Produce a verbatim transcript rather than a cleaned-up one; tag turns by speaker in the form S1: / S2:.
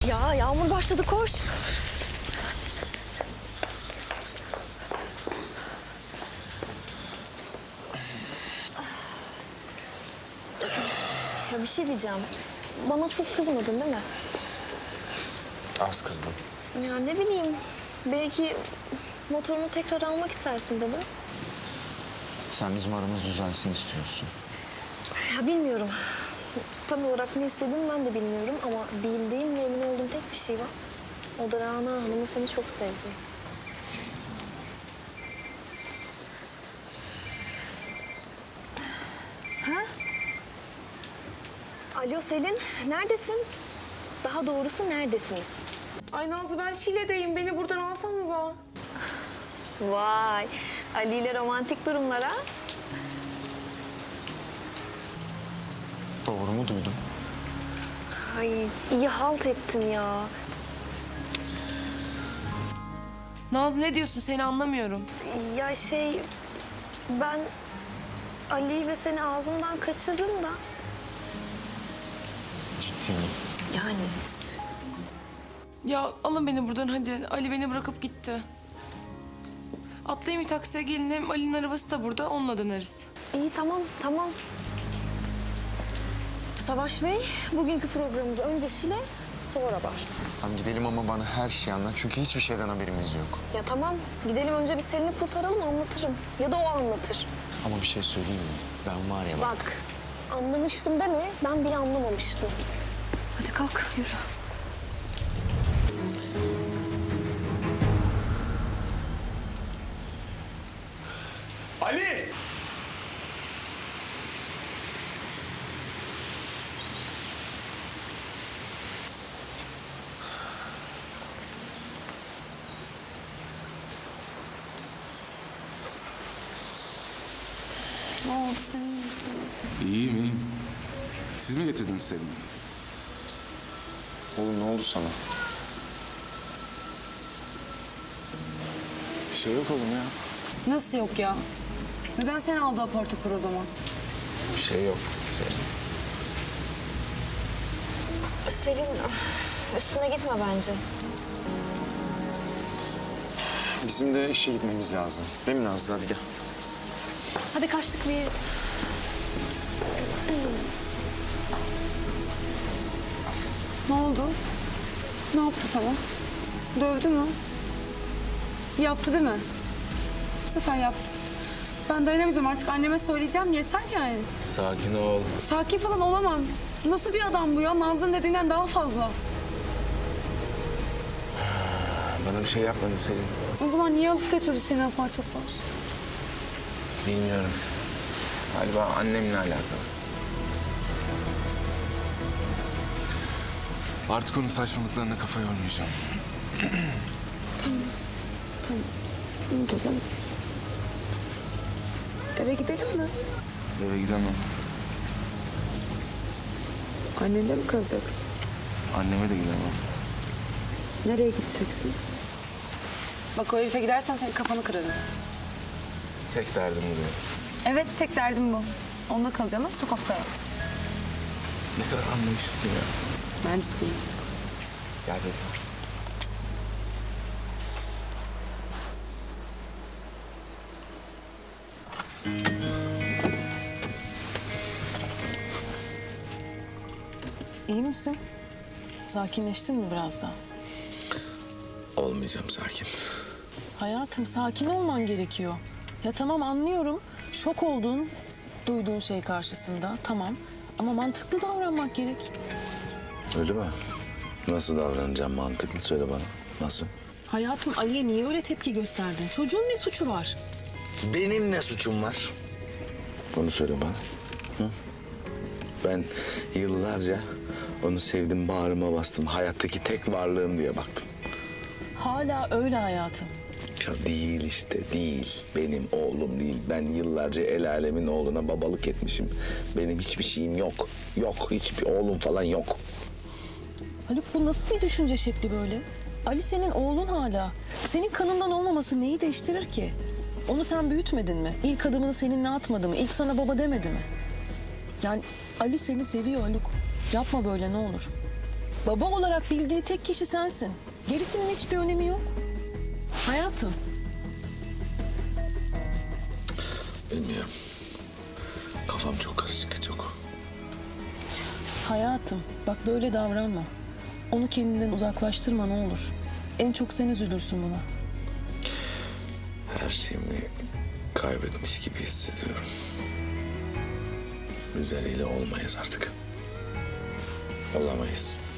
S1: Ya yağmur başladı, koş. Ya bir şey diyeceğim. Bana çok kızmadın değil mi?
S2: Az kızdım.
S1: Ya ne bileyim. Belki motorunu tekrar almak istersin dedim.
S2: Sen bizim aramız düzelsin istiyorsun.
S1: Ya bilmiyorum. Tam olarak ne istediğimi ben de bilmiyorum ama bildiğim ve emin olduğum tek bir şey var. O da Rana Hanım'ın seni çok sevdiği. Ha? Alo Selin, neredesin? Daha doğrusu neredesiniz?
S3: Ay Nazlı ben Şile'deyim. Beni buradan alsanıza.
S1: Vay, Ali ile romantik durumlara.
S2: Doğru mu duydum?
S1: Ay iyi halt ettim ya.
S3: Nazlı ne diyorsun? Seni anlamıyorum.
S1: Ya şey, ben Ali ve seni ağzımdan kaçırdım da.
S2: Ciddi mi?
S1: Yani.
S3: Ya alın beni buradan hadi. Ali beni bırakıp gitti. Atlayayım bir taksiye gelin. Hem Ali'nin arabası da burada. Onunla döneriz.
S1: İyi tamam, tamam. Savaş Bey, bugünkü programımız önce Şile, sonra Bar.
S2: Tamam gidelim ama bana her şeyi anlat. Çünkü hiçbir şeyden haberimiz yok.
S1: Ya tamam, gidelim önce bir Selin'i kurtaralım, anlatırım. Ya da o anlatır.
S2: Ama bir şey söyleyeyim mi? Ben var ya bak.
S1: Bak, anlamıştım deme, ben bile anlamamıştım. Hadi kalk, yürü.
S4: Ali!
S3: Ne oldu? Sen iyi misin?
S4: İyiyim, iyiyim. Siz mi getirdiniz Selin'i?
S2: Oğlum ne oldu sana? Bir şey yok oğlum ya.
S5: Nasıl yok ya? Neden sen aldı apar topar o zaman?
S2: Bir şey yok. Şey.
S1: Selin, üstüne gitme bence.
S2: Bizim de işe gitmemiz lazım. Değil mi Nazlı? Hadi gel.
S1: Hadi kaçtık biz.
S5: Ne oldu? Ne yaptı sana? Dövdü mü? Yaptı değil mi? Bu sefer yaptı. Ben dayanamayacağım artık, anneme söyleyeceğim, yeter yani.
S4: Sakin ol.
S5: Sakin falan olamam. Nasıl bir adam bu ya? Nazlı'nın dediğinden daha fazla.
S4: Bana bir şey yapmadı Selin.
S5: O zaman niye alıp götürdü seni apar topar?
S4: Bilmiyorum. Galiba annemle alakalı. Artık onun saçmalıklarına kafa yormayacağım.
S5: Tamam. Unut o zaman. Eve gidelim mi?
S4: Eve gidemem.
S5: Annenle mi kalacaksın?
S4: Anneme de gidemem.
S5: Nereye gideceksin? Bak o herife gidersen senin kafanı kırarım.
S4: Tek derdim bu benim.
S5: Evet, tek derdim bu. Onda kalacağına sokakta yat.
S4: Ne kadar anlayışlısın ya.
S5: Ben ciddiyim.
S4: Gel benim.
S6: İyi misin? Sakinleştin mi biraz daha?
S4: Olmayacağım sakin.
S6: Hayatım sakin olman gerekiyor. Ya tamam anlıyorum. Şok oldun duyduğun şey karşısında. Tamam. Ama mantıklı davranmak gerek.
S7: Öyle mi? Nasıl davranacağım mantıklı söyle bana. Nasıl?
S6: Hayatım Ali'ye niye öyle tepki gösterdin? Çocuğun ne suçu var?
S7: Benim ne suçum var? Bunu söyle bana. Hı? Ben yıllarca onu sevdim, bağrıma bastım. Hayattaki tek varlığım diye baktım.
S6: Hala öyle hayatım.
S7: Ya değil işte, değil. Benim oğlum değil. Ben yıllarca el alemin oğluna babalık etmişim. Benim hiçbir şeyim yok. Yok, hiçbir oğlum falan yok.
S6: Haluk bu nasıl bir düşünce şekli böyle? Ali senin oğlun hala. Senin kanından olmaması neyi değiştirir ki? Onu sen büyütmedin mi? İlk adımını seninle atmadı mı? İlk sana baba demedi mi? Yani Ali seni seviyor Haluk. Yapma böyle ne olur. Baba olarak bildiği tek kişi sensin. Gerisinin hiçbir önemi yok. Hayatım.
S7: Bilmiyorum. Kafam çok karışık, çok.
S6: Hayatım, bak böyle davranma. Onu kendinden uzaklaştırma ne olur. En çok sen üzülürsün buna.
S7: Her şeyimi kaybetmiş gibi hissediyorum. Biz Ali'yle olmayız artık. Olamayız.